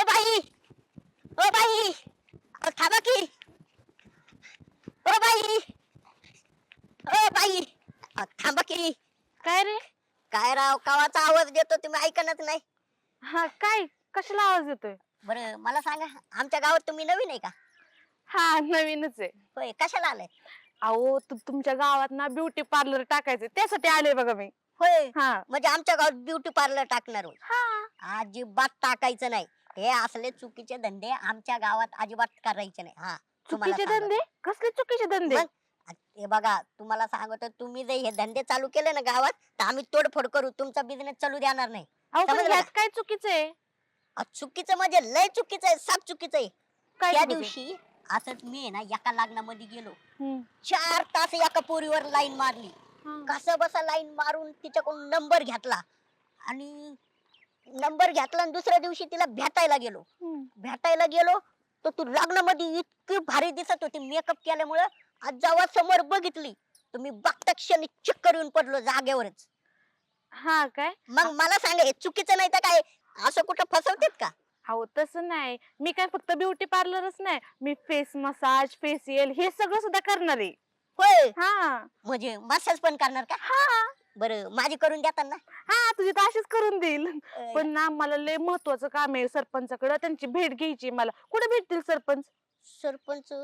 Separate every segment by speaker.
Speaker 1: O by, O by, अहो थांबा की. ओ बाई, ओ बाई, अहो थांबा की.
Speaker 2: काय रे?
Speaker 1: काय राव, कवाचा आवाज देतो तुम्ही ऐकणच नाही.
Speaker 2: हा काय? कशाला आवाज येतोय?
Speaker 1: बरं मला सांगा, आमच्या गावात तुम्ही नवीन आहे का?
Speaker 2: हा नवीनच आहे.
Speaker 1: होय, कशाला आलाय?
Speaker 2: अहो तुमच्या गावात ना ब्युटी पार्लर टाकायचं त्यासाठी आले बघा मी.
Speaker 1: होय,
Speaker 2: हा
Speaker 1: म्हणजे आमच्या गावात ब्युटी पार्लर टाकणार होय.
Speaker 2: हा
Speaker 1: अजिबात टाकायचं नाही. हे असले चुकीचे धंदे आमच्या गावात अजिबात करायचे नाही. हा, तुम्हाला
Speaker 2: चुकीचे
Speaker 1: सांगतो.
Speaker 2: धंदे? कसले चुकीचे धंदे?
Speaker 1: मग हे बघा, तुम्हाला सांगतो, तुम्ही जर हे धंदे चालू केले ना गावात, तर आम्ही तोडफोड करू, तुमचा बिझनेस चालू देणार नाही.
Speaker 2: अहो पण
Speaker 1: समजलं
Speaker 2: ह्यात
Speaker 1: का?
Speaker 2: काय चुकीचं आहे?
Speaker 1: चुकीचं म्हणजे लय चुकीचं आहे, साप चुकीचं आहे.
Speaker 2: काय
Speaker 1: त्या
Speaker 2: चुकीचं आहे?
Speaker 1: दिवशी असंच मी आहे ना एका लग्नामध्ये गेलो.
Speaker 2: हम्म.
Speaker 1: 4 तास एका पोरीवर लाईन मारली.
Speaker 2: हा.
Speaker 1: कसं बसा लाईन मारून तिच्याकडून नंबर घेतला आणि दुसऱ्या दिवशी तिला भेटायला गेलो.
Speaker 2: हम्म.
Speaker 1: तर तू लग्नामध्ये इतकी भारी दिसत होती मेकअप केल्यामुळं. आज जेव्हा समोर बघितली तर मी बघता क्षणी चक्कर येऊन पडलो जागेवरच.
Speaker 2: हा काय?
Speaker 1: मग मला सांगा, हे चुकीचं नाही तर काय? असं कुठं फसवतेत का?
Speaker 2: अहो तसं नाही, मी काय फक्त ब्युटी पार्लरच नाही, मी फेस मसाज फेशियल हे सगळं सुद्धा करणार आहे.
Speaker 1: होय,
Speaker 2: हा
Speaker 1: म्हणजे मसाज पण करणार का?
Speaker 2: हा
Speaker 1: बरं, माझी करून देतात ना?
Speaker 2: हा तुझी तर अशीच करून देईल.
Speaker 1: अं,
Speaker 2: पण ना मला लय महत्वाचं काम आहे सरपंचाकडे, त्यांची भेट घ्यायची मला. कुठे भेटतील सरपंच?
Speaker 1: सरपंच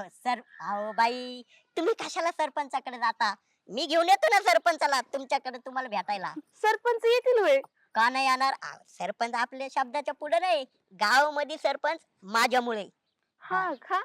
Speaker 1: अहो बाई, तुम्ही कशाला सरपंचाकडे जाता? मी घेऊन येतो ना सरपंचाला तुमच्याकडे तुम्हाला भेटायला.
Speaker 2: सरपंच येतील होय?
Speaker 1: का नाही येणार? सरपंच आपल्या शब्दाच्या पुढे नाही. गावामध्ये सरपंच माझ्यामुळे.
Speaker 2: हा का?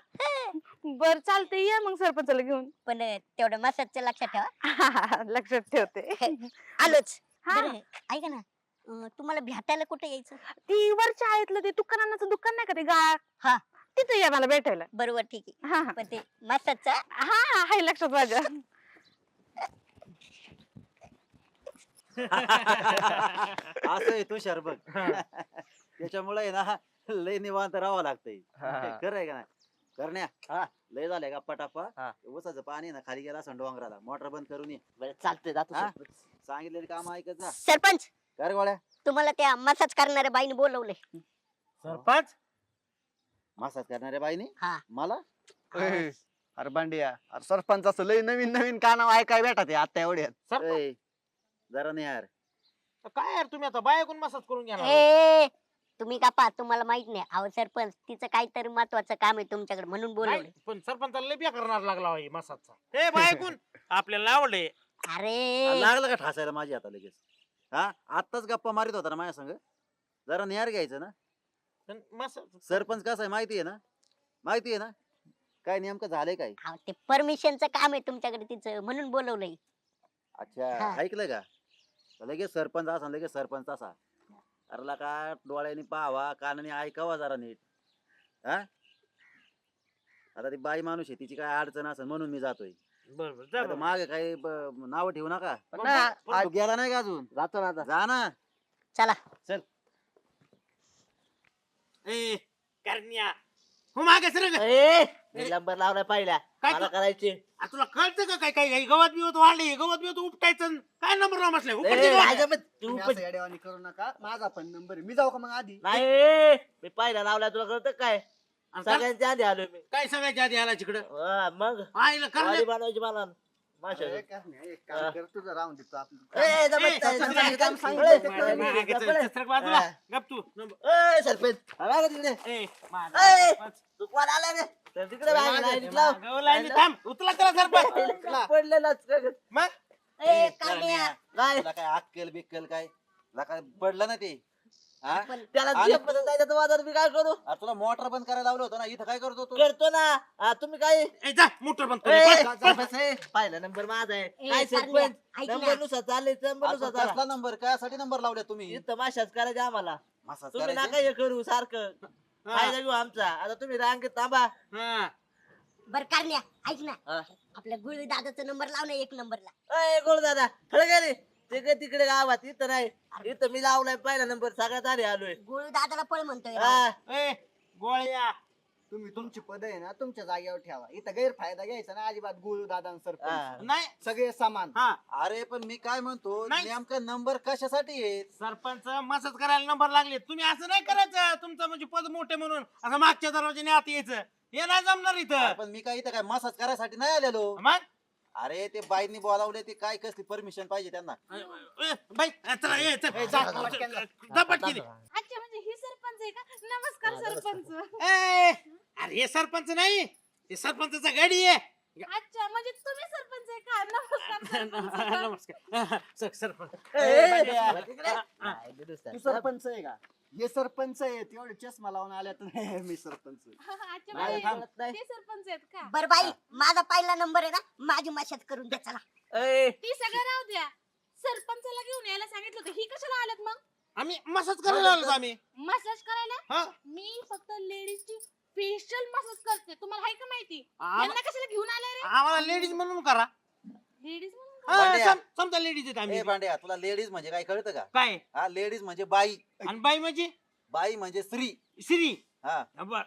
Speaker 2: बर चालतंय, या मग सरपंचाला घेऊन.
Speaker 1: पण तेवढं मसाजचं लक्षात ठेवा.
Speaker 2: लक्षात ठेवते.
Speaker 1: आलोच.
Speaker 2: हा.
Speaker 1: बरं, ऐका ना, तुम्हाला भेटायला कुठे यायचं?
Speaker 2: ती वरच्या आळीतलं ते दुकानाचं दुकान नाही का ते गाळ,
Speaker 1: हा,
Speaker 2: तिथे या मला भेटायला.
Speaker 1: बरोबर, ठीक आहे.
Speaker 2: हा हा
Speaker 1: पण ते मसाजचा
Speaker 2: हा हाय लक्षात माझ्या.
Speaker 3: असं आहे तुषार बघ. त्याच्यामुळे आहे ना लय निवांत राहावं लागतंय. खरं आहे का नाही करण्या? लय झालंय का पटापा उसाचं पाणी ना खाली गेला असं डोंगराला, मोटर बंद करून ये.
Speaker 1: बरं चालतंय, जातो
Speaker 3: हा?
Speaker 1: सरपंच.
Speaker 3: सांगितलेलं काम ऐकत जा.
Speaker 1: सरपंच,
Speaker 3: कर गोळ्या.
Speaker 1: तुम्हाला त्या मसाज करणाऱ्या बाईने बोलवले.
Speaker 4: सरपंच
Speaker 3: मसाज करणाऱ्या बाईने
Speaker 1: हा.
Speaker 3: मला
Speaker 5: अरे बांडिया, अरे सरपंच असं लय नवीन नवीन का नाव ऐकाय भेटा ते आता एवढ्यात.
Speaker 4: सरपंच
Speaker 3: ए, जरा नाही यार.
Speaker 4: काय यार, तुम्ही आता बायकून मसाज करून घेणार?
Speaker 1: ए, तुम्ही का पा, तुम्हाला माहित नाही? अहो सरपंच, तिचं काहीतरी महत्वाचं काम आहे तुमच्याकडे म्हणून बोलवले.
Speaker 4: नाही, पण सरपंचाला लय बेकार करणार लागला होय मसाजचा. हे बायकून आपल्याला आवडले.
Speaker 1: अरे
Speaker 3: लागलं का ठासायला माझी आता लगेच? हा, आत्ताच गप्पा मारित होता ना माझ्या संग. जरा निहार घ्यायचं ना.
Speaker 4: पण मसाज
Speaker 3: सरपंच कसा आहे माहिती आहे ना? माहिती आहे ना काय नेमकं झालंय काय?
Speaker 1: अहो, ते परमिशनचं काम आहे तुमच्याकडे तिचं म्हणून बोलवलंय.
Speaker 3: अच्छा,
Speaker 1: हा.
Speaker 3: ऐकलं का? तर लगेच सरपंच असा लगेच सरपंच असा. अरला का डोळ्याने पाहावा कानाने ऐकावा जरा नीट. हा, आता ती बाई माणूस आहे, तिची काय अडचण असेल म्हणून मी जातोय.
Speaker 4: बरोबर जा बरं.
Speaker 3: मागे काही नाव ठेवू नका.
Speaker 4: पण-
Speaker 5: ना,
Speaker 3: तू गेला नाही का अजून?
Speaker 5: जातो ना आता.
Speaker 3: जा ना.
Speaker 1: चला.
Speaker 4: ए करण्या, हो मागे सर.
Speaker 6: नंबर लावला पहिला
Speaker 4: काय
Speaker 6: मला
Speaker 4: तू-
Speaker 6: करायचे.
Speaker 4: तुला कळतं का काय काय गवत बिवत वाढले, गवत बिवत उपटायचं, काय नंबर लावून बसलाय?
Speaker 6: ए,
Speaker 4: उपटते का?
Speaker 6: राजा, पण तू
Speaker 5: तुम्ही
Speaker 6: पण-
Speaker 5: असं येड्यावानी करू नका. माझा पण नंबर आहे, मी जाऊ का मग आधी?
Speaker 6: नाही मी पहिला लावला, तुला कळतं काय?
Speaker 4: आणि का-
Speaker 6: सगळ्यांच्या आधी आलोय मी.
Speaker 4: काय सगळ्याच्या आधी आला तिकडं?
Speaker 6: मग
Speaker 4: आईला
Speaker 6: गाडी
Speaker 4: करण्या.
Speaker 6: बनवायची मला माशा.
Speaker 5: अरे, काय नाही, एक काम कर, तुझं राहून देतो आपलं.
Speaker 6: ए, जमत
Speaker 4: ए,
Speaker 6: नाही,
Speaker 4: सरपंच,
Speaker 6: जमत नाही,
Speaker 5: काम
Speaker 6: जमत
Speaker 5: सांगितलं
Speaker 6: नाही.
Speaker 5: ते
Speaker 4: मागे- मागे चल, सरक बाजूला.
Speaker 6: हा.
Speaker 4: गप तू. नंबर.
Speaker 6: ए, सरपंच हवा का तिकडे?
Speaker 4: ए, मागे
Speaker 6: ए,
Speaker 4: सरपंच.
Speaker 6: तू कोण आला रे? तर तिकडे बाहेर लाईनीत लाव.
Speaker 4: मागं लाईनीत थांब. उचला त्याला सरपंच.
Speaker 6: पडलेलाच का ग?
Speaker 4: मग
Speaker 1: ए, कान्या.
Speaker 6: काय
Speaker 3: तुला काय अक्कल बिक्कल काय? तुला काय पडलं ना ते? हा?
Speaker 6: त्याला
Speaker 3: आणि-
Speaker 6: झेपत जायचं तर वाजत मी काय करू?
Speaker 3: अरे तुला मोटर बंद करायला लावलं होतं ना, इथं काय करतो तू?
Speaker 6: करतो ना. तुम्ही काय
Speaker 4: ए, जा मोटर बंद कर.
Speaker 6: ए,
Speaker 4: पळ, पळ.
Speaker 6: सरपंच, ए, पहिला नंबर माझा आहे.
Speaker 1: ए,
Speaker 6: काय
Speaker 1: करण्या,
Speaker 6: सरपंच
Speaker 1: ऐक ना.
Speaker 6: नंबर नुसार चालले नंबर
Speaker 3: अरे
Speaker 6: नुसार
Speaker 3: पण
Speaker 6: चाला.
Speaker 3: कसला नंबर कायसाठी नंबर लावले तुम्ही?
Speaker 6: इथं माशाच करायचे आम्हाला.
Speaker 3: मसाज
Speaker 6: तुम्ही
Speaker 3: करायचे?
Speaker 6: नका हे करू सारखं.
Speaker 4: हा.
Speaker 6: फायदा घेऊ आमचा. आता तुम्ही रांगेत थांबा.
Speaker 4: हा.
Speaker 1: बर कारण्या, ऐक ना,
Speaker 6: हा.
Speaker 1: आपल्या गुळी दादाचा नंबर लाव ना 1 नंबरला.
Speaker 6: अय गोळ दादा खरं काय रे? तिकडे तिकडे गावात इथं नाही. इथं मी लावलाय पहिला नंबर, सगळ्यात आधी आलोय.
Speaker 1: गुळी दादाला पळ म्हणतोय राव.
Speaker 6: हा.
Speaker 4: ए, गोळ्या
Speaker 5: तुम्ही तुमची पद आहे ना तुमच्या जागेवर ठेवा. इथं गैरफायदा घ्यायचा ना अजिबात. गुरु दादा सरपंच
Speaker 3: हा.
Speaker 4: नाही
Speaker 5: सगळे समान.
Speaker 4: हा
Speaker 3: अरे पण मी काय म्हणतो
Speaker 4: नाही.
Speaker 3: नेमका नंबर कशासाठी आहे?
Speaker 4: सरपंच मसाज करायला नंबर लागले. तुम्ही असं नाही करायचं. तुमचं म्हणजे पद मोठे म्हणून असं मागच्या दरवाजाने आत यायचं हे नाही जमणार
Speaker 3: अरे
Speaker 4: इथं.
Speaker 3: पण मी काय इथं काय मसाज करायसाठी नाही आलेलो.
Speaker 4: मग
Speaker 3: अरे ते बाईंनी बोलावले ते काय कसली परमिशन पाहिजे त्यांना?
Speaker 4: बाई चला ये चल जा पटकन.
Speaker 2: अच्छा म्हणजे ही सरपंच आहे का? नमस्कार सरपंच.
Speaker 4: अरे हे सरपंच नाही हे सरपंचाचा गाडी आहे.
Speaker 2: अच्छा म्हणजे तुम्ही सरपंच आहे का? नमस्कार सरपंच.
Speaker 4: नमस्कार सरपंच.
Speaker 5: तू सरपंच आहे का? हे सरपंच आहे तेवढे चष्मा लावून आल्या तर मी सरपंच.
Speaker 2: अच्छा
Speaker 5: नाही,
Speaker 2: म्हणजे
Speaker 5: थांब.
Speaker 2: ते सरपंच आहेत का?
Speaker 1: बर बाई माझा पहिला नंबर आहे ना माझी मशाज करून द्या चला.
Speaker 2: ती सगळं राहू द्या. सरपंचाला घेऊन यायला सांगितलं होतं. ही कशाला आल्यात मग?
Speaker 4: आम्ही मसाज करायला आलो आम्ही.
Speaker 2: मसाज करायला?
Speaker 4: हा
Speaker 2: मी फक्त लेडीजची फेशियल मसाज करते. तुम्हाला आहे का माहिती?
Speaker 4: आम-
Speaker 2: यांना कशाला घेऊन आलाय रे?
Speaker 4: आम्हाला लेडीज म्हणून करा.
Speaker 2: लेडीज म्हणून
Speaker 4: हा,
Speaker 3: भांड्या.
Speaker 4: समजा लेडीज आहेत आम्ही.
Speaker 3: ए भांड्या तुला लेडीज म्हणजे काय कळतं का?
Speaker 4: काय
Speaker 3: हा लेडीज म्हणजे बाई.
Speaker 4: आणि बाई म्हणजे
Speaker 3: बाई म्हणजे स्त्री.
Speaker 4: श्री.
Speaker 3: हा
Speaker 4: बर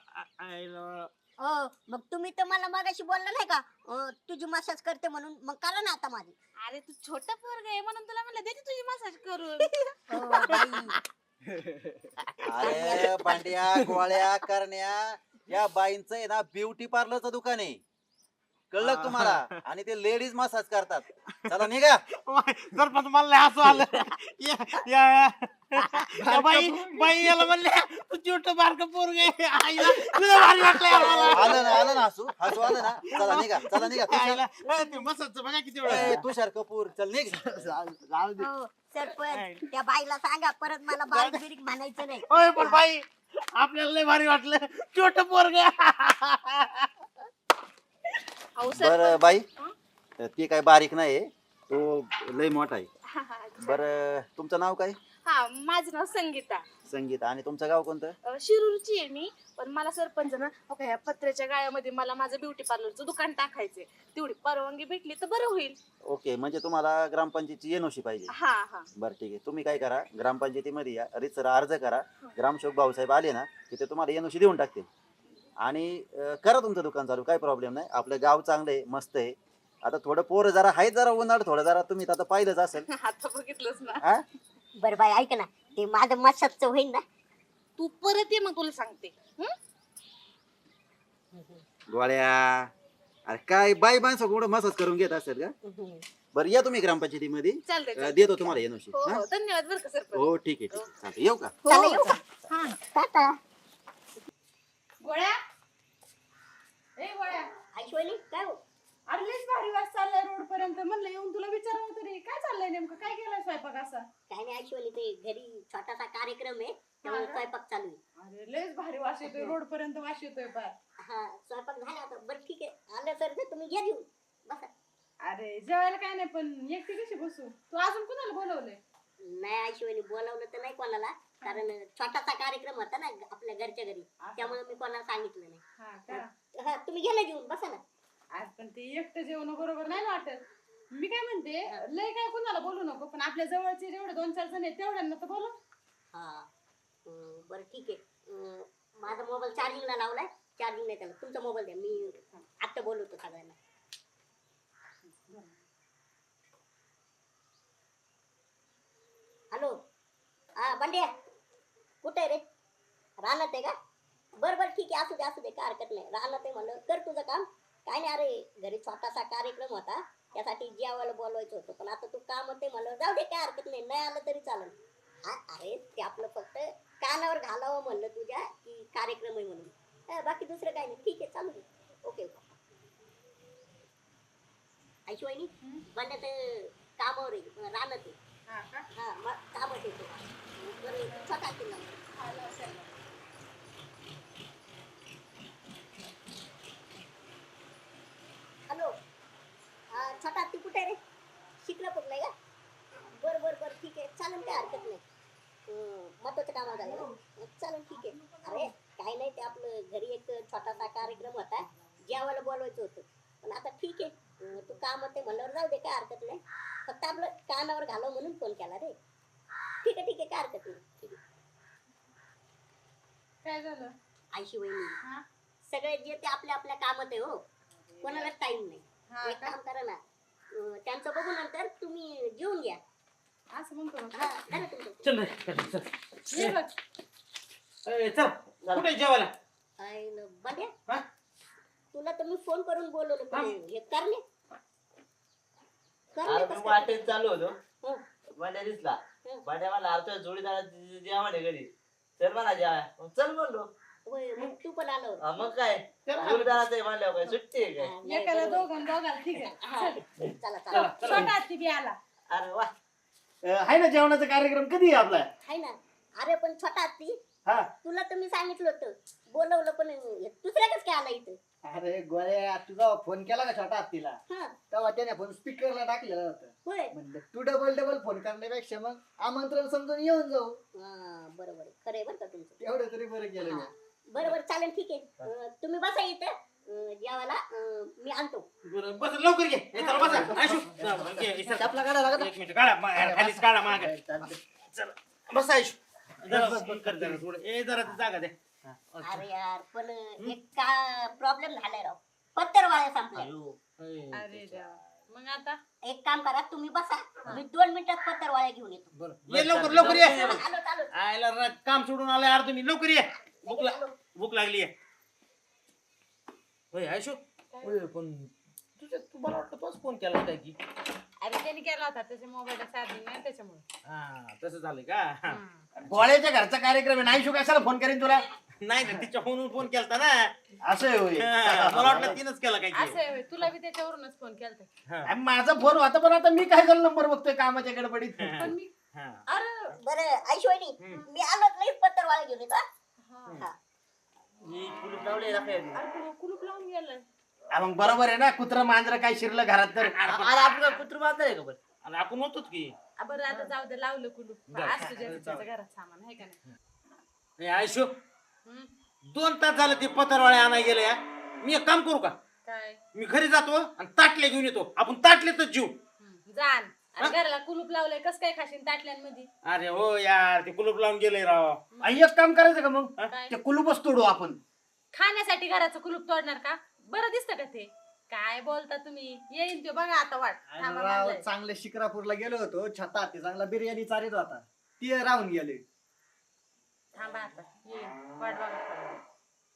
Speaker 1: मग तुम्ही तर मला मागाशी बोलला नाही का तुझी मसाज करते म्हणून मग करा ना आता माझी.
Speaker 2: अरे तू छोट पोरग आहे म्हणून तुला म्हणलं देते तुझी मसाज करून.
Speaker 3: अरे भांड्या गोळ्या करण्या या बाईंचं आहे ना ब्युटी पार्लरचं दुकान आहे. कळलं का तुम्हाला? आणि ते लेडीज मसाज करतात. चला निघा.
Speaker 4: सरपंच मला लय हसू आलं. या बाई बाई याला म्हणले तू छोट बारक पोरग आहे. आईला तुला भारी वाटलं
Speaker 3: आलं ना हसू आलं ना. चला निघा
Speaker 4: आईला ते मसाजचं बघा किती वेळ
Speaker 3: ए, तुषार कपूर चल निघ.
Speaker 5: जाऊ दे.
Speaker 1: सरपंच त्या बाईला सांगा परत मला बारीक बिरीक म्हणायचं नाही.
Speaker 4: होय पण बाई आपल्याला लय भारी वाटलं छोट पोरग.
Speaker 2: अहो
Speaker 3: बर
Speaker 2: सरपंच.
Speaker 3: बाई
Speaker 2: हं?
Speaker 3: ती काय बारीक नाही तो लय मोठा आहे.
Speaker 2: हा, हा, अच्छा.
Speaker 3: बर तुमचं नाव काय?
Speaker 2: हा माझं नाव संगीता.
Speaker 3: संगीता. आणि तुमचं गाव कोणतं?
Speaker 2: शिरूरची आहे मी. पण मला सरपंच ना हो का, या पत्र्याच्या गाळ्यामध्ये मला माझं ब्युटी पार्लरचं दुकान टाकायचंय. तेवढी परवानगी भेटली तर बरं होईल.
Speaker 3: ओके म्हणजे तुम्हाला ग्रामपंचायतीची एनओसी पाहिजे.
Speaker 2: हा हा
Speaker 3: बरं ठीक आहे. तुम्ही काय करा ग्रामपंचायतीमध्ये या रितसर अर्ज करा. ग्रामसेवक भाऊसाहेब आले ना की ते तुम्हाला एनओसी देऊन टाकतील. आणि करा तुमचं दुकान चालू. काही प्रॉब्लेम नाही. आपलं गाव चांगलं आहे मस्त आहे. आता थोडं पोरं जरा आहेत जरा उन्हाळ थोडं जरा तुम्ही आता पाहिलंच असेल.
Speaker 2: आता बघितलंच ना.
Speaker 3: हा
Speaker 1: बर बाई ऐक ना ते माझं मसाजचं होईल ना.
Speaker 2: तू परत ये मग तुला सांगते. हं?
Speaker 3: गोळ्या अरे काय बाई माणसं कुठं मसाज करून घेत असेल का? बरं या तुम्ही ग्रामपंचायतीमध्ये.
Speaker 2: चालतंय चालतंय.
Speaker 3: देतो तुम्हाला एनओसी.
Speaker 2: हो हो धन्यवाद बरं का सरपंच.
Speaker 3: हो ठीक आहे चालतं. येऊ का?
Speaker 1: चला येऊ का?
Speaker 2: हा
Speaker 1: टाटा.
Speaker 2: गोळ्या ए गोळ्या
Speaker 1: ऐश्वनी काय हो?
Speaker 2: अरे लयच भारी वास चाललाय रोड पर्यंत. म्हणलं येऊन तुला विचारावं तरी काय चाललंय नेमकं. काय केलंय स्वयंपाक असा?
Speaker 1: काय नाही ऐश्वनी ते घरी छोटासा कार्यक्रम आहे त्यामुळे स्वयंपाक चालू आहे.
Speaker 2: अरे लयच भारी वास येतोय रोड पर्यंत. वास येतोय पार.
Speaker 1: हा स्वयंपाक झाला आता. बरं ठीक आहे आलं सर तर तुम्ही घ्या घेऊन बसा.
Speaker 2: अरे जेवायला काय नाही पण एकटी कशी बसू. तू अजून कुणाला बोलवलंय?
Speaker 1: नाही ऐश्वनी बोलावलं तर नाही कोणाला कारण छोटासा कार्यक्रम होता ना आपल्या घरच्या घरी त्यामुळे मी कोणाला सांगितलं नाही.
Speaker 2: हा का?
Speaker 1: हा तुम्ही गेला घेऊन बसा ना.
Speaker 2: आज पण ते एकटं जेवण बरोबर नाही ना वाटत. मी काय म्हणते लय काय कुणाला बोलू नको पण आपल्या जवळचे जेवढे 2-4 जण आहेत तेवढ्यांना तर बोलव.
Speaker 1: हा बरं ठीक आहे. माझा मोबाईल चार्जिंगला लावलाय. चार्जिंग नाही त्याला. तुमचा मोबाईल द्या मी आता बोलवतो सगळ्यांना. हॅलो हा बंड्या कुठे आहे रे? रानात आहे का? बरं बरं ठीक आहे असू दे काय हरकत नाही. रानात आहे म्हणलं कर तुझं काम. काय नाही अरे घरी छोटासा कार्यक्रम होता त्यासाठी जेवायला बोलवायचं होतं पण आता तू काम होते म्हणलं जाऊ दे काय हरकत नाही. नाही आलं तरी चालेल. अरे ते आपलं फक्त कानावर घालावं म्हणलं तुझ्या की कार्यक्रम आहे म्हणून. बाकी दुसरं काय नाही. ठीक आहे चालू दे. Okay okay. ऐशवाईनी बंड्या तर कामावर आहे रानात आहे.
Speaker 2: हा का?
Speaker 1: हा मग कामच येतो. बरं छोटा किल्ला. हॅलो हा छोटा ती कुठे रे? शिकरापूरला का? बरं ठीक आहे चालेल काय हरकत नाही. महत्वाचं काम झालं ना चालेल ठीक आहे. अरे काय नाही ते आपलं घरी एक छोटासा कार्यक्रम होता जेवायला बोलवायचं होतं पण आता ठीक आहे. तू काम होते म्हणल्यावर जाऊ दे काय हरकत नाही. फक्त आपलं कानावर घालव म्हणून फोन केला रे. ठीक आहे काय हरकत नाही. ठीक आहे.
Speaker 2: काय झालं?
Speaker 1: आयशी वहिनी
Speaker 2: हा
Speaker 1: सगळे जे ते आपल्या आपल्या कामात आहे हो, कोणालाच टाइम नाही.
Speaker 2: हा
Speaker 1: एक
Speaker 2: का?
Speaker 1: काम करा ना, त्यांचं बघू नंतर तुम्ही जेवून घ्या.
Speaker 2: असं म्हणतो मग.
Speaker 1: हा करा तुमचं.
Speaker 4: चल रे, चल, चल.
Speaker 2: ये बघ.
Speaker 4: चल कुठे जेवायला
Speaker 1: आईला बंड्या,
Speaker 4: हा?
Speaker 1: तुला तर मी फोन करून बोलवलं पण
Speaker 4: हा?
Speaker 1: हे करणे
Speaker 6: अरे मी वाटेत चालू होतो
Speaker 1: हं.
Speaker 6: बंड्या दिसला.
Speaker 1: हं.
Speaker 6: बंड्या म्हणला अरे जोडीदार जेवा म्हणे घरी. चल म्हणा जेवा. मग चल म्हणलो.
Speaker 1: होय, मग तू पण आलो.
Speaker 6: हा, मग काय जोडीदाराचं आहे म्हणल्यावर काय सुट्टी आहे काय?
Speaker 1: हा, नाही,
Speaker 2: एकाला
Speaker 1: बरोबर.
Speaker 2: दोघाला ठीक आहे.
Speaker 1: हा,
Speaker 2: चल.
Speaker 1: चला
Speaker 4: चला,
Speaker 1: चला.
Speaker 4: चला.
Speaker 2: छोटा हत्ती बी आला.
Speaker 6: अरे वा.
Speaker 4: आहे ना जेवणाचा कार्यक्रम कधी आहे आपला
Speaker 1: हाय ना. अरे पण छोटा हत्ती,
Speaker 4: हा
Speaker 1: तुला तर मी सांगितलं होतं बोलवलं पण दुसऱ्या कसं काय आला इथं?
Speaker 5: अरे गोळ्या तुझा फोन केला का छोटा हत्तीला
Speaker 1: हा,
Speaker 5: तेव्हा त्याने फोन स्पीकरला टाकलेला होता.
Speaker 1: होय.
Speaker 5: म्हणलं तू डबल फोन करण्यापेक्षा मग आमंत्रण समजून येऊन जाऊ.
Speaker 1: हा, बरोबर आहे. खरं आहे बरं का तुमचं.
Speaker 5: तेवढं तरी बरं केलं
Speaker 1: हा,
Speaker 5: मी.
Speaker 1: बरोबर चालेल, ठीक आहे. तुम्ही बसा इथं, जेवायला मी आणतो.
Speaker 4: बरं बस लवकर घे हे चला बसा आयशू घे, हे चल.
Speaker 5: चपला काढा लागत.
Speaker 4: एक मिनिट काढा खालीच काढा मागे चल बस आयशू जरा बस कर जरा थोडं ए जरा जागा दे
Speaker 1: अरे यार पण एक का प्रॉब्लेम झालाय राव, पत्तर वाळ्या संपल्या.
Speaker 2: अरे देवा. मग आता
Speaker 1: एक काम करा, तुम्ही बसा, मी 2 मिनिटात पत्तर वाळ्या घेऊन येतो.
Speaker 4: बरं ये लवकर लवकर ये
Speaker 1: आलो आलो.
Speaker 4: आयला काम सोडून आलाय यार तुम्ही लवकर ये भूक लागली आहे होय आयशू होय पण तू मला वाटतं तोच फोन केला काय की
Speaker 2: अरे त्याने केला होता त्याच्या मोबाईलला चार्जिंग नाही त्याच्यामुळे.
Speaker 4: हा तसं झालंय का
Speaker 2: हम्म.
Speaker 4: गोळ्याच्या घरचा कार्यक्रम आहे नाही कशाला फोन करेन तुला नाही ना तिच्या फोनवरून फोन केलता ना
Speaker 5: असं आहे होय.
Speaker 4: मला वाटलं तिनंच केला काय
Speaker 2: असं आहे होय. तुला बी त्याच्यावरूनच फोन केलता.
Speaker 4: आणि माझा फोन होता पण आता मी काय झालं नंबर बघतोय कामाच्या गडबडीत
Speaker 2: पण मी अरे
Speaker 1: बरं ऐश्वरी, मी आलो नाही पत्तर वाळ्या घेऊन येतो.
Speaker 2: हा.
Speaker 1: हा.
Speaker 6: ही कुलूप लावली राखायला.
Speaker 2: अरे कुलूप लावून गेलाय.
Speaker 4: मग बरोबर आहे ना कुत्र मांजर काय शिरलं घरात तर
Speaker 6: अरे आपलं कुत्र बांधणार आहे का बरं?
Speaker 4: आणि आपण होतोच की
Speaker 2: बरं आता जाऊ दे, लावलं कुलूप.
Speaker 4: बरं.
Speaker 2: आज तुझ्या तिच्याच्या घरात सामान आहे का नाही?
Speaker 4: ए, आयशू
Speaker 2: हम्म.
Speaker 4: 2 तास झालं ते पत्रवाळे आणाय गेले मी एक काम करू का
Speaker 2: काय?
Speaker 4: मी घरी जातो आणि ताटले घेऊन येतो आपण ताटलेतच जीव
Speaker 2: जाण. आणि घराला कुलूप लावलंय, कस काय खाशीन ताटल्यांमध्ये?
Speaker 4: अरे हो यार ते कुलूप लावून गेले राव आणि एक काम करायचं का मग
Speaker 2: काय?
Speaker 4: ते कुलूपच तोडू आपण
Speaker 2: खाण्यासाठी घराचं कुलूप तोडणार का? बरं दिसतं का ते? काय बोलता तुम्ही? येईन ते बघा आता वाट. थांबा
Speaker 5: राव,
Speaker 2: म्हणलंय.
Speaker 5: चांगले शिक्रापूरला गेलो होतो छता हत्ती चांगला बिर्याणी चारीत होता ते राहून गेले.
Speaker 2: थांबा आता येईन वाट बघा थोडा वेळ.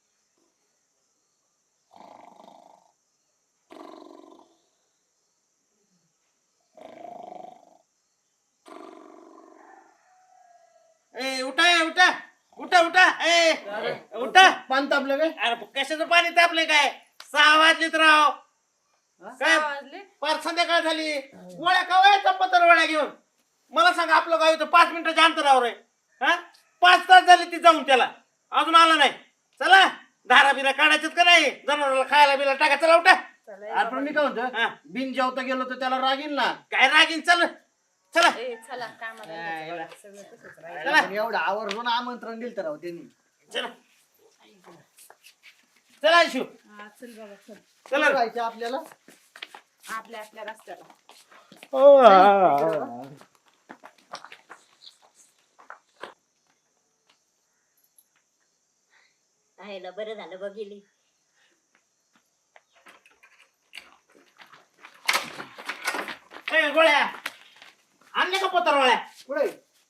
Speaker 4: ए उठा उठा उठा उठा ए उठा
Speaker 5: पान तापलं काय?
Speaker 4: अरे कशाचं पाणी तापले काय 6 वाजलेत राव काय
Speaker 2: 6 वाजले.
Speaker 4: पार संध्याकाळ झाली गोळ्या कवायचा पत्रवाळ्या घेऊन मला सांगा आपलं गाव इथं 5 मिनिटाच्या अंतरावर आहे हा 5 तास झाले ती जाऊन त्याला अजून आला नाही चला धारा बिरा काढायच्यात का नाही जनावराला खायला बिला टाका चला उठा
Speaker 5: आपण मी काय म्हणतो
Speaker 4: हा.
Speaker 5: बिन जेवता गेलो तर त्याला रागील ना.
Speaker 4: काय रागीन चल चला
Speaker 2: ए चला कामाला जायचं. सगळं तसंच राहील.
Speaker 4: चला
Speaker 5: पण एवढं आवर्जून आमंत्रण दिलं तर राव त्यांनी.
Speaker 4: चला चला शिव
Speaker 2: हा, चल बाबा चल.
Speaker 4: चला
Speaker 5: राहायचं आपल्याला.
Speaker 2: आपल्या आपल्या रस्त्याला.
Speaker 1: आहे ना, बरं झालं बघितली.
Speaker 4: ए गोळ्या आणले का पत्रवाळ्या
Speaker 5: पुढे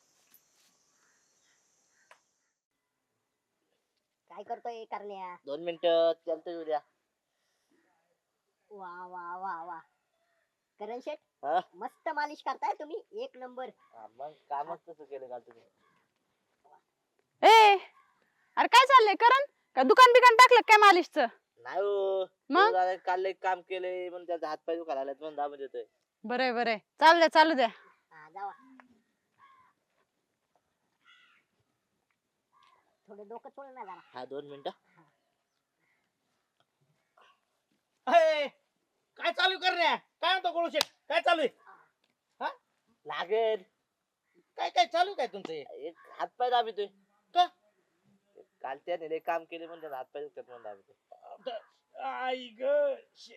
Speaker 1: काय करतोय करण्या?
Speaker 6: 2 मिनिटं चालतं उद्या.
Speaker 1: वा वा वा वा, करण शेठ
Speaker 6: हा?
Speaker 1: मस्त मालिश करताय तुम्ही, 1 नंबर.
Speaker 6: हा, मग कामच तसं केलं का तुम्ही?
Speaker 7: ए अरे काय चाललंय करण? का दुकान बिकान टाकलं काय मालिशचं?
Speaker 6: नाही हो
Speaker 7: मग?
Speaker 6: दादा काल एक काम केलंय म्हणून त्याचा हात पाय दुखायला लागलेत म्हणून दाबून देतोय.
Speaker 7: बरंय बरंय, चालू द्या.
Speaker 1: हा जावा. थोडं डोकं चोळ ना जरा.
Speaker 6: हा 2 मिनिटं.
Speaker 4: ए, काय चालू करण्या काय म्हणतो गोळू शेठ काय चालू आहे
Speaker 6: लागेल
Speaker 4: काय काय चालू काय तुमचं हे?
Speaker 6: एक हात पाय दाबितोय.
Speaker 4: का?
Speaker 6: काल त्याने लय काम केले म्हणून त्याचा हात पाय दुखतात म्हणून दाबितोय.
Speaker 4: आई ग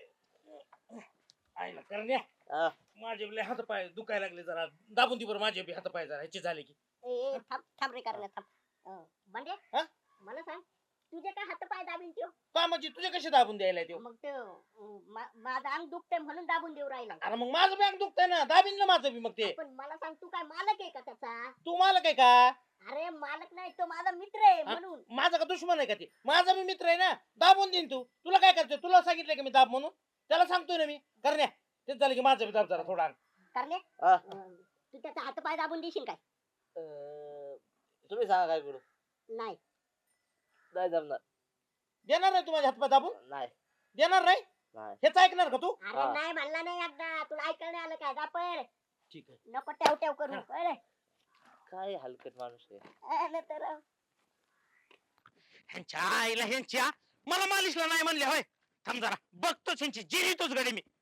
Speaker 4: आई ना करण्या
Speaker 6: हा.
Speaker 4: माझे बी लय हात पाय दुखायला लागले जरा दाबून ती बरं माझे बी हात पाय जरा ह्याचे झाले की
Speaker 1: ए थांब थांब रे करण्या थांब. बंड्या
Speaker 4: हा?
Speaker 1: मला सांग, तुझे काय हात पाय दाबी देईन त्यो
Speaker 4: का म्हणजे तुझे कसे दाबून द्यायला ते
Speaker 1: मग ते माझं अंग दुखतंय म्हणून दाबून देऊ राहिला
Speaker 4: अरे मग माझं बँक दुखतंय ना दाबीन ना माझं बी मग ते
Speaker 1: पण मला सांग तू काय मालक आहे का त्याचा
Speaker 4: तू मला काय का
Speaker 1: अरे मालक नाही तो माझा मित्र आहे म्हणून
Speaker 4: माझा का दुश्मन आहे का ते माझा मी मित्र आहे ना दाबून देईन तू तुला काय करतोय तुला सांगितलं की मी दाब म्हणून त्याला सांगतोय ना मी करण्या तेच झालं की माझं बी दाब जरा थोडा
Speaker 1: करणे
Speaker 6: हा.
Speaker 1: तू त्याचा हातपाय दाबून देशील काय
Speaker 6: तुम्ही सांगा काय करू
Speaker 1: नाही
Speaker 6: नाही जमणार
Speaker 4: देणार नाही तू माझ्या हातपाय दाबून
Speaker 6: नाही
Speaker 4: देणार नाही
Speaker 6: नाही
Speaker 4: हेच ऐकणार का तू
Speaker 1: अरे
Speaker 6: हा.
Speaker 1: नाही म्हणला नाही एकदा तुला ऐकायला नाही आलं काय दापर
Speaker 4: ठीक आहे
Speaker 1: नको ठेव ठेव करू कळलं?
Speaker 6: काय हलकट माणूस आहे
Speaker 1: तर
Speaker 4: ह्यांच्या आईला ह्यांच्या मला मालिशला नाही म्हणले होय थांब जरा बघतोच ह्यांची जिरीतोच गडी मी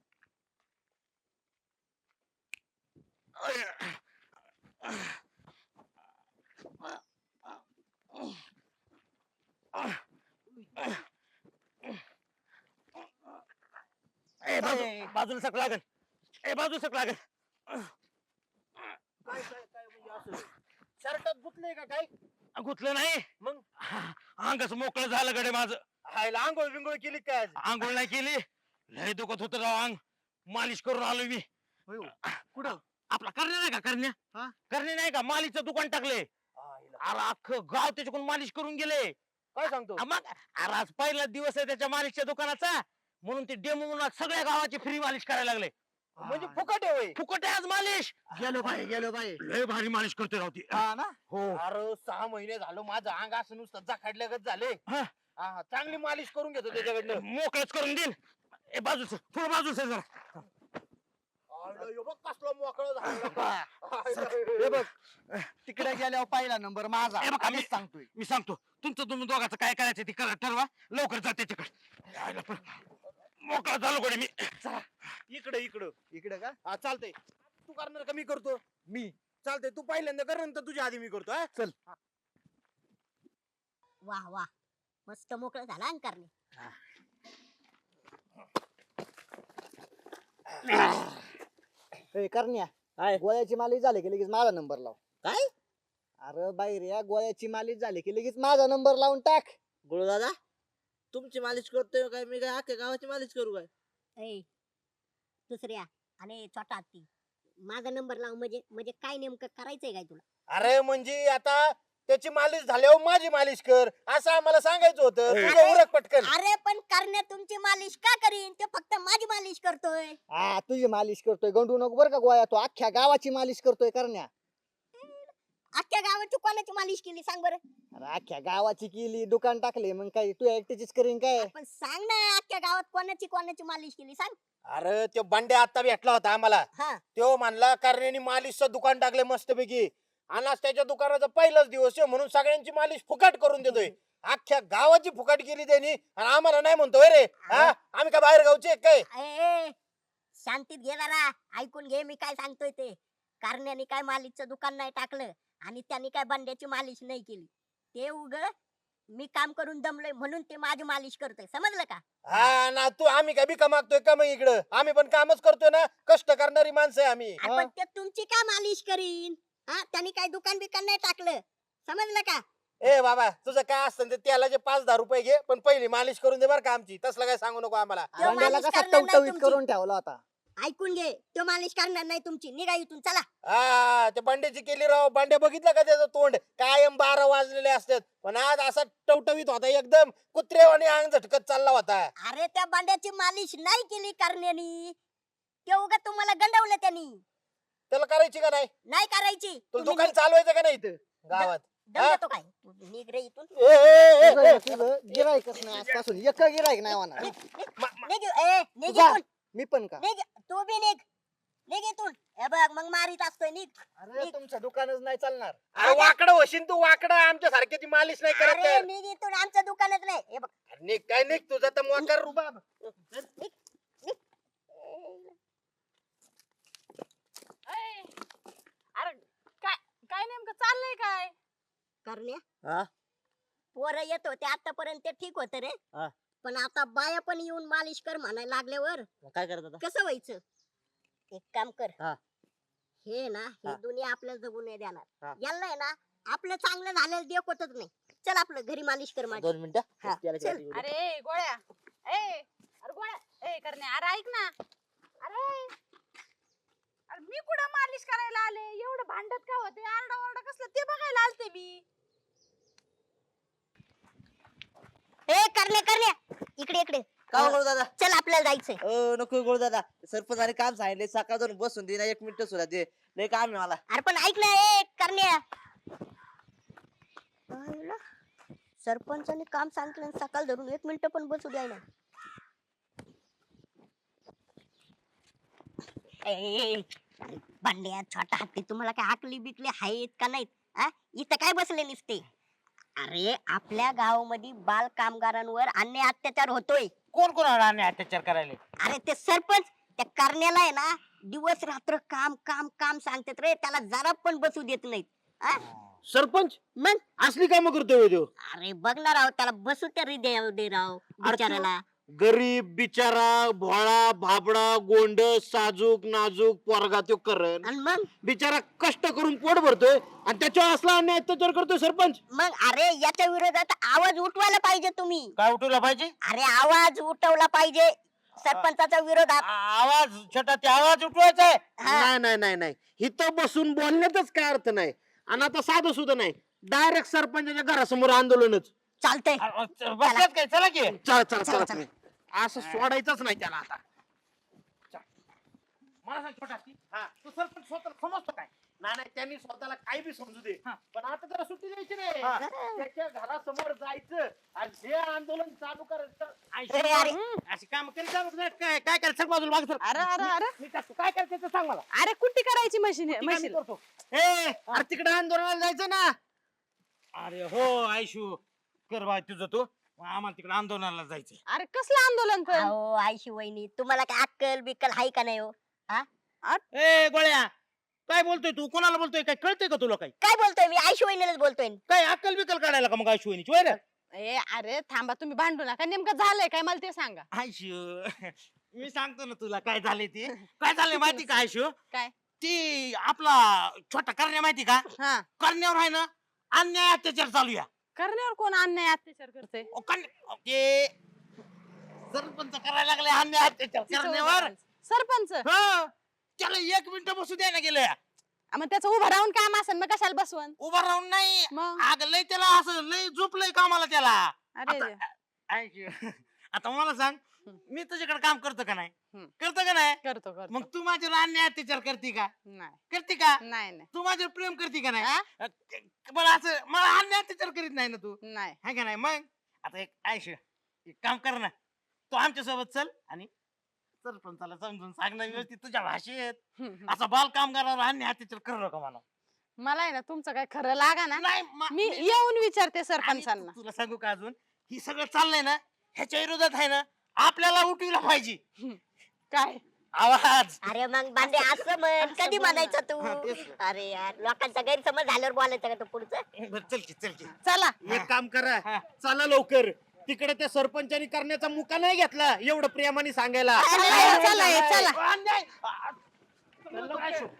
Speaker 4: बाजूला सक लागल बाजूला सक लागल काय काय काय म्हणजे असं शर्टात गुतलंय का काय गुतलं नाही मग अंगच मोकळं झालं गडे माझं हायला आंघोळ बिंगोळ केली काय आंघोळ नाही केली लय दुखत होत राव अंग मालिश करून आलो मी कुठं आपला करण्या नाही का करण्या करणे नाही का मालिशचं दुकान टाकले अरे अख्खं गाव त्याच्याकडून मालिश करून गेले काय सांगतो मग अरे आज पहिला दिवस आहे त्याच्या मालिशच्या दुकानाचा म्हणून ते डेमो म्हणून सगळ्या गावाची फ्री मालिश करायला लागले म्हणजे फुकट आहे फुकट आहे आज मालिश
Speaker 5: गेलो बाई
Speaker 4: लय भारी मालिश करतोय राव ती
Speaker 5: हा ना
Speaker 4: हो
Speaker 8: अरे 6 महिने झालं माझं अंग असं नुसतं जाखडल्यागत झाले
Speaker 4: हा.
Speaker 8: चांगली मालिश करून घेतो त्याच्याकडनं
Speaker 4: मोकळच करून देईन बाजूच थोडं बाजूच जरा
Speaker 8: कसलं मोकळं झालं
Speaker 5: हे बघ तिकडे गेल्यावर पहिला नंबर माझा
Speaker 4: हे बघ, आम्ही-
Speaker 5: आधीच सांगतोय
Speaker 4: मी सांगतो तुमचं तुम्ही दोघांचं काय करायचं ते करा ठरवा लवकर जा त्याच्याकडे यायला पण मोकळा झालो कडे मी
Speaker 8: इकडे इकडं
Speaker 5: इकडे का
Speaker 8: हा चालतंय तू करणार का मी करतो मी चालतंय तू पहिल्यांदा कर नंतर तुझ्या आधी मी करतो हा
Speaker 5: चल
Speaker 1: वाह वाह मस्त मोकळं झाला अंग करणे
Speaker 5: करण्या
Speaker 6: काय?
Speaker 5: गोळ्याची मालिश झाली की लगेच माझा नंबर लाव
Speaker 6: काय
Speaker 5: अरे बाई रे गोळ्याची मालिश झाली की लगेच माझा नंबर लावून टाक
Speaker 6: गुरु दादा तुमची मालिश करतोय काय मी काय अख्ख्या गावाची मालिश करू काय
Speaker 1: ए दुसऱ्या आणि छोटा हत्ती माझा नंबर लाव म्हणजे म्हणजे काय नेमकं करायचंय काय तुला
Speaker 8: अरे म्हणजे आता त्याची मालिश झाल्यावर माझी मालिश कर असं आम्हाला सांगायचं होतं
Speaker 4: ए.
Speaker 8: तुझं उरक पटकन
Speaker 1: अरे पण करण्या तुमची मालिश का करीन ते फक्त माझी मालिश करतोय
Speaker 5: हा तुझी मालिश करतोय गंडू नको बरं का गोळ्या तो अख्ख्या गावाची मालिश करतोय करण्या
Speaker 1: अख्ख्या गावाची कोणाची मालिश केली सांग बरं
Speaker 5: अरे अख्ख्या गावाची केली दुकान टाकले मग काय तू एकटीचीच करीन काय
Speaker 1: पण सांग ना अख्ख्या गावात कोणाची मालिश केली सांग
Speaker 8: अरे तो बंड्या आता भेटला होता आम्हाला
Speaker 1: हा
Speaker 8: तो म्हणला करण्यानी मालिशचं दुकान टाकले मस्तपैकी आणि आज त्याच्या दुकानाचा पहिलाच दिवस आहे म्हणून सगळ्यांची मालिश फुकट करून देतोय अख्ख्या गावाची फुकट केली त्यांनी आणि आम्हाला नाही म्हणतोय रे हा आम्ही काय बाहेर गावचे काय
Speaker 1: ए शांतीत घे जरा ऐकून घे मी काय सांगतोय ते कारण्याने काय मालिशचं दुकान नाही टाकलं आणि त्यांनी काय बंड्याची मालिश नाही केली ते उग मी काम करून दमलोय म्हणून ते माझी मालिश करतोय समजलं का
Speaker 8: हा ना तू आम्ही काय बिका मागतोय का मग इकडं आम्ही पण कामच करतोय ना कष्ट करणारी माणसं आहे आम्ही
Speaker 1: अरे पण ते तुमची काय मालिश करीन हा त्यांनी काय दुकान बिकान नाही टाकलं समजलं का
Speaker 8: ए बाबा तुझं काय असतं ते त्याला जे 5-10 रुपये घे पण पहिली मालिश करून दे बरं का आमची तसलं काय सांगू नको आम्हाला
Speaker 1: तो
Speaker 5: बंड्याला
Speaker 1: मालिश
Speaker 5: कसा
Speaker 1: करणार नाही
Speaker 5: टवटवीत
Speaker 1: तुमची.
Speaker 5: करून ठेवला होता
Speaker 1: ऐकून घे तो मालिश करणार नाही तुमची निघा इथून चला
Speaker 8: हा ते बंड्याची केली राव बंड्या बघितलं का त्याचं तोंड कायम 12 वाजलेले असतात पण आज असा टवटवीत होता एकदम कुत्रेवाणी अंग झटकत चालला होता
Speaker 1: अरे त्या बांड्याची मालिश नाही केली करण्यानी ते उगा तुम्हाला गंडवलं त्यांनी
Speaker 8: त्याला करायची का नाही
Speaker 1: नाही करायची
Speaker 8: तुला
Speaker 1: तुम्ही
Speaker 8: दुकान चालवायचं का नाही इथं गावात
Speaker 1: दम
Speaker 8: हा?
Speaker 1: देतो काय तू निघ रे इथून
Speaker 8: ए, ए, ए, ए,
Speaker 5: तुझं गिरायकच नाही आजपासून एक गिरायक नाही होणार
Speaker 1: निघ निघ
Speaker 5: जा.
Speaker 1: इथून
Speaker 5: मी पण का
Speaker 1: निघ तू बी निघ इथून हे बघ मग मारीत असतोय निघ
Speaker 5: अरे तुमचं दुकानच नाही चालणार
Speaker 8: अरे वाकडं होशील तू वाकडं आमच्या सारख्याची मालिश नाही करत
Speaker 1: अरे
Speaker 8: तर.
Speaker 1: निघ इथून आमचं दुकानच नाही हे बघ
Speaker 8: अरे निघ काय निघ तुझा तर मोकार रुबाब
Speaker 7: अरे काय काय नेमकं चाललंय काय
Speaker 1: करण्या
Speaker 6: हा?
Speaker 1: पोरं येत होते आतापर्यंत ते ठीक होत रे
Speaker 6: हा.
Speaker 1: पण आता बाया पण येऊन मालिश कर म्हणायला लागल्यावर
Speaker 6: मग काय करत आता
Speaker 1: कसं व्हायचं एक काम कर
Speaker 6: हा.
Speaker 1: हे ना ही
Speaker 6: हा.
Speaker 1: दुनिया आपल्याला जगू नाही देणार
Speaker 6: हा.
Speaker 1: याला आहे ना आपलं चांगलं झालेलं देखवतच नाही चल आपलं घरी मालिश कर माझी
Speaker 6: 2 मिनिटं
Speaker 1: हा,
Speaker 6: त्याला
Speaker 1: चल.
Speaker 6: किती वेळ?
Speaker 7: अरे गोळ्या अरे गोळ्या करण्या अरे ऐक ना अरे अरे मी कुठं मालिश करायला आले एवढं भांडत का होते आरडा ओरडा कसलं ते बघायला आलते मी
Speaker 1: ए करण्या इकडे इकडे
Speaker 6: का हो, गोळू दादा
Speaker 1: चल आपल्याला जायचंय
Speaker 6: नको गोळू दादा सरपंचाने काम सांगितले सकाळ जाऊन बसून दे ना 1 मिनिट सुद्धा दे लय काम आहे मला
Speaker 1: अरे पण ऐक ना ए करण्या आईला, सरपंचाने काम सांगितलं आणि सकाळ धरून 1 मिनिट पण बसू द्याय ना भांड्या छोटा हत्ती तुम्हाला काय आकली बिकली आहेत का नाहीत आ? इथं काय बसले निसते अरे आपल्या गावामध्ये बाल कामगारांवर अन्याय अत्याचार होतोय
Speaker 4: कोण कोणाला आणि अत्याचार करायला
Speaker 1: अरे ते सरपंच त्या करण्याला आहे ना दिवस रात्र काम काम काम सांगतात रे त्याला जरा पण बसू देत नाहीत आ?
Speaker 4: सरपंच
Speaker 1: मग
Speaker 4: असली कामं करतोय तो
Speaker 1: अरे बघ ना राव त्याला बसू तरी दे राव बिचाराला
Speaker 8: गरीब बिचारा भोळा भाबडा गोंड साजूक नाजूक पोरगा तो करण
Speaker 1: आणि मग
Speaker 8: बिचारा कष्ट करून पोट भरतोय आणि त्याच्यावर असला अन्याय अत्याचार करतोय सरपंच
Speaker 1: अरे याच्या विरोधात आवाज उठवायला पाहिजे तुम्ही
Speaker 4: काय उठवला पाहिजे
Speaker 1: अरे आवाज उठवला पाहिजे सरपंचाच्या विरोधात
Speaker 4: आवाज छोटा ते आवाज उठवायचा आहे
Speaker 1: हा.
Speaker 8: नाही इथं बसून बोलण्यातच काय अर्थ नाही आणि आता साधं सुद्धा नाही डायरेक्ट सरपंचाच्या घरासमोर आंदोलनच
Speaker 1: चालतंय
Speaker 4: बसल्यात काय चला की
Speaker 8: चला
Speaker 1: चला.
Speaker 8: तुम्ही असं सोडायचंच नाही त्याला आता
Speaker 4: मला सांग छोटा तू सरपंच स्वतः समजतो काय
Speaker 8: नाही त्यांनी स्वतःला काही बी समजू दे
Speaker 4: हा.
Speaker 8: पण आता त्याला सुट्टी द्यायची नाही
Speaker 4: हा.
Speaker 8: त्याच्या घरासमोर जायचं आणि जे आंदोलन चालू करायचं
Speaker 1: अरे, अरे.
Speaker 4: अशी काम करीत जाऊ नका. काय काय करायचं सांग बाजूला मागे सर
Speaker 7: अरे अरे अरे
Speaker 4: मी टाकतो काय करायचं ते सांग मला
Speaker 7: अरे कुट्टी करायची मशीन
Speaker 4: ती काय मी
Speaker 7: मशीन
Speaker 4: करतो
Speaker 8: अरे तिकडे आंदोलनाला जायचं ना
Speaker 4: अरे हो आयशू कर बा तुझं तू आम्हाला तिकडे आंदोलनाला जायचं
Speaker 7: अरे कसलं आंदोलन पण
Speaker 1: अहो आयशी वहिनी तुम्हाला काय अक्कल बिक्कल हाय का नाही हो
Speaker 4: ए गोळ्या काय बोलतोय तू कोणाला बोलतोय काय कळतंय का तुला काही
Speaker 1: काय बोलतोय मी आयशी वहिनीलाच बोलतोय
Speaker 4: काय अक्कल बिकल काढायला का मग आयशू वहिनीची वय रे
Speaker 7: ए अरे थांबा तुम्ही भांडू नका नेमकं झालंय काय मला ते सांगा
Speaker 4: आयशू मी सांगतो ना तुला काय झाले ते काय झालंय माहिती का आयशू
Speaker 7: काय
Speaker 4: ती आपला छोटा करण्या माहिती का
Speaker 7: हा
Speaker 4: करण्यावर आहे ना अन्याय अत्याचार चालू या
Speaker 7: करण्यावर कोण अन्याय अत्याचार करते
Speaker 4: ते सरपंच करायला लागले अन्याय अत्याचार करण्यावर
Speaker 7: सरपंच
Speaker 4: हो त्याला 1 मिनिट बसू द्यायला गेलं
Speaker 7: मग त्याचं उभं राहून काम असेल मग कशाला बसवून
Speaker 4: उभा राहून नाही
Speaker 7: मग
Speaker 4: आग लय त्याला असं लय झोपलंय कामाला त्याला
Speaker 7: अरे
Speaker 4: आता- ऐक, आता मला सांग मी तुझ्याकडे काम करतो का नाही
Speaker 7: हम्म.
Speaker 4: करतो का नाही
Speaker 7: करतो करतो
Speaker 4: मग तू माझ्यावर अन्याय अत्याचार करते का
Speaker 7: नाही
Speaker 4: करते का
Speaker 7: नाही नाही
Speaker 4: तू माझ्यावर प्रेम करते का
Speaker 7: हा?
Speaker 4: नाही बरं असं मला अन्याय अत्याचार करीत नाही ना तू
Speaker 7: नाही
Speaker 4: है का नाही मग आता एक आयश एक काम कर ना तू आमच्या सोबत चल आणि सरपंचाला समजून सांगणं व्यवस्थित तुझ्या भाषेत असा बाल कामगारावर अन्याय अत्याचार करू नका मला
Speaker 7: मला आहे ना तुमचं काय खरं लागा ना
Speaker 4: नाही
Speaker 7: मी येऊन विचारते
Speaker 4: आणि
Speaker 7: सरपंचांना
Speaker 4: तुला सांगू का अजून ही सगळं चाललंय ना ह्याच्या विरोधात आहे ना आपल्याला उठविला पाहिजे
Speaker 7: काय
Speaker 4: आवाज
Speaker 1: अरे मग बांधे असं म्हण
Speaker 7: असं
Speaker 1: कधी
Speaker 7: बोल ना.
Speaker 1: म्हणायचं तू
Speaker 4: हा, तेच ना.
Speaker 1: अरे यार लोकांचा गैरसमज झाल्यावर बोलायचं का तू पुढचं
Speaker 4: बरं, चल की चल की
Speaker 7: चला
Speaker 8: एक काम करा
Speaker 4: हा.
Speaker 8: चला लवकर तिकडे त्या सरपंचानी करण्याचा मुका नाही घेतला एवढं प्रेमाने सांगायला
Speaker 7: चला चला
Speaker 4: अन्याय चल लवकर आयशू.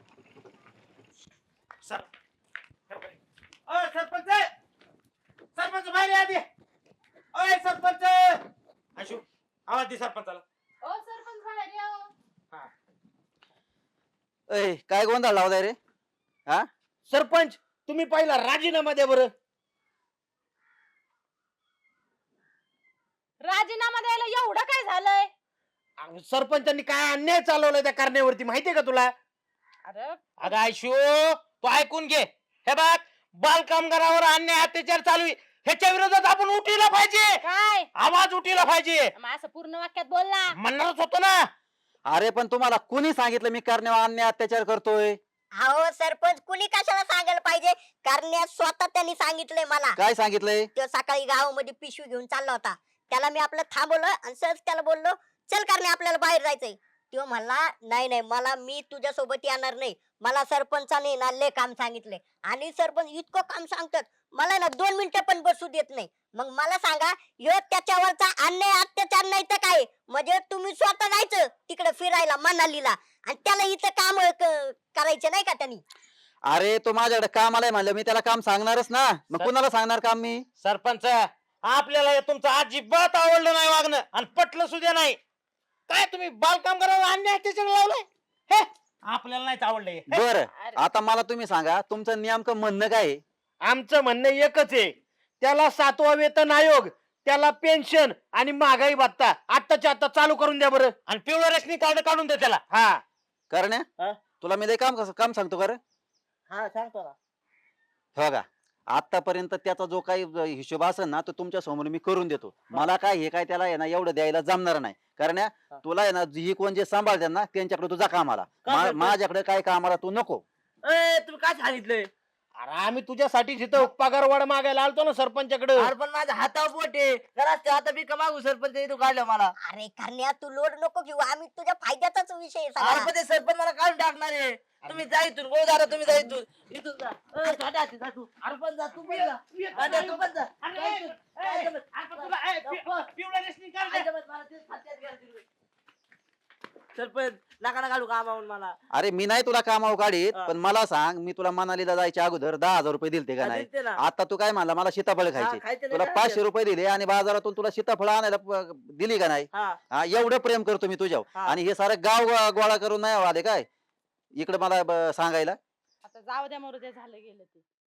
Speaker 4: सर अय सरपंच सरपंच बाहेर या आधी अय सरपंच आयशू आवाज दे सरपंचाला
Speaker 2: ओ सरपंच बाहेर या हो.
Speaker 3: ए काय गोंधळ लावलाय रे
Speaker 8: सरपंच तुम्ही पहिला राजीनामा द्या बरं
Speaker 7: राजीनामा द्यायला एवढं काय झालंय
Speaker 8: सरपंचांनी काय अन्याय चालवलाय त्या कारण्यावरती माहितीये का तुला
Speaker 7: अरे
Speaker 4: अगं आयशू तू ऐकून घे हे बघ बाल कामगारावर अन्याय अत्याचार चालू आहे ह्याच्या विरोधात आपण उठीला पाहिजे
Speaker 7: काय
Speaker 4: आवाज उठीला पाहिजे
Speaker 7: मग असं पूर्ण वाक्यात बोलला
Speaker 4: म्हणणारच होतो ना
Speaker 3: अरे पण तुम्हाला कुणी सांगितलं मी करण्यावर अन्याय अत्याचार करतोय
Speaker 1: अहो सरपंच कुणी कशाला सांगायला पाहिजे कारण स्वतः त्यांनी सांगितलंय मला
Speaker 3: काय सांगितलंय
Speaker 1: तो सकाळी गावामध्ये पिशवी घेऊन चालला होता त्याला मी आपलं थांबवलं आणि सहज त्याला बोललो चल करणे आपल्याला बाहेर जायचंय तो म्हणला नाही मला मी तुझ्या सोबत येणार नाही मला सरपंचाने ना लय काम सांगितलंय आणि सरपंच इतकं काम सांगतात मला ना 2 मिनिटं पण बसू देत नाही मग मला सांगा ह्यो त्याच्यावरचा अन्याय अत्याचार नाही तर काय म्हणजे तुम्ही स्वतः जायचं तिकडे फिरायला मनालीला आणि त्याला इथं काम करायचं नाही का त्यांनी
Speaker 3: अरे तो माझ्याकडे काम आलाय म्हणलं मी त्याला काम सांगणारच ना, मग
Speaker 4: सर-
Speaker 3: कुणाला सांगणार काम मी?
Speaker 4: सरपंच आपल्याला हे तुमचं अजिबात आवडलं नाही वागणं आणि पटलं सुद्धा नाही. काय तुम्ही बालकाम करायला अन्याय त्याच्याकडे लावलाय हे आपल्याला नाहीच आवडलं हे.
Speaker 3: बर आता मला तुम्ही सांगा तुमचं नेमकं म्हणणं काय आहे?
Speaker 8: आमचं म्हणणं एकच आहे, त्याला 7वा वेतन आयोग, त्याला पेन्शन आणि महागाई भत्ता आत्ताच्या आता चालू करून द्या बरं.
Speaker 4: आणि पिवळं रेशनी कार्ड काढून दे त्याला.
Speaker 8: हा
Speaker 3: करण्या
Speaker 6: हा?
Speaker 3: तुला मी लय काम सांगतो का रे?
Speaker 6: हा सांगतो ना.
Speaker 3: हो का, आतापर्यंत त्याचा जो काही हिशोब असेल ना तो तुमच्या समोर मी करून देतो. मला काय हे काय त्याला आहे ना एवढं द्यायला जमणार नाही. करण्या
Speaker 6: हा.
Speaker 3: तुला आहे ना ही कोण जे सांभाळतात ना त्यांच्याकडे तुझा कामाला,
Speaker 6: का सरपंच?
Speaker 3: माझ्याकडे काय कामाला तू नको.
Speaker 6: ए तुम्ही काय सांगितलंय?
Speaker 8: अरे आम्ही तुझ्यासाठी तिथं पगार वाढ मागायला आलतो ना सरपंचाकडे.
Speaker 6: अरे पण माझ्या हातावर पोट आहे. घरात आता मी मागू सरपंच इथून काढलं मला.
Speaker 1: अरे करण्या तू लोड नको घेऊ, आम्ही तुझ्या फायद्याचाच विषय आहे
Speaker 6: अरे
Speaker 1: सगळा.
Speaker 6: पण ते सरपंच मला काढून टाकणार आहे. तुम्ही जा इथून, गोदारा तुम्ही जा इथून, इथून जा. साठ्या हाती जा तू. अरे पण जा, तू पण जा. साठ्या, तू पण जा.
Speaker 4: अरे,
Speaker 6: जा इथून.
Speaker 4: ए,
Speaker 6: जा इथून.
Speaker 4: अरे तुला, ए, पिवळं रेशनी कार्ड दे.
Speaker 6: अजिबात मला तेच हातात घ्या तिकडे. सरपंच नका ना काढू कामावून मला.
Speaker 3: अरे मी नाही तुला कामावर काढीत,
Speaker 6: हा.
Speaker 3: पण मला सांग मी तुला मनालीला जायच्या अगोदर 10,000 रुपये दिलते का नाही?
Speaker 6: दिलते ना.
Speaker 3: आता तू काय म्हणला मला सीताफळ खायची,
Speaker 6: खायचे
Speaker 3: तुला
Speaker 6: नाही
Speaker 3: 500 रुपये दिले आणि बाजारातून तुला सीताफळ आणायला दिली का नाही?
Speaker 6: हा.
Speaker 3: हा, एवढं प्रेम करतो मी तुझ्यावर.
Speaker 6: हा.
Speaker 3: आणि हे सारं गाव गोळा करून नाही आले काय इकडे मला सांगायला?
Speaker 2: आता जाऊ द्या मरू द्या, झालं गेलं ते.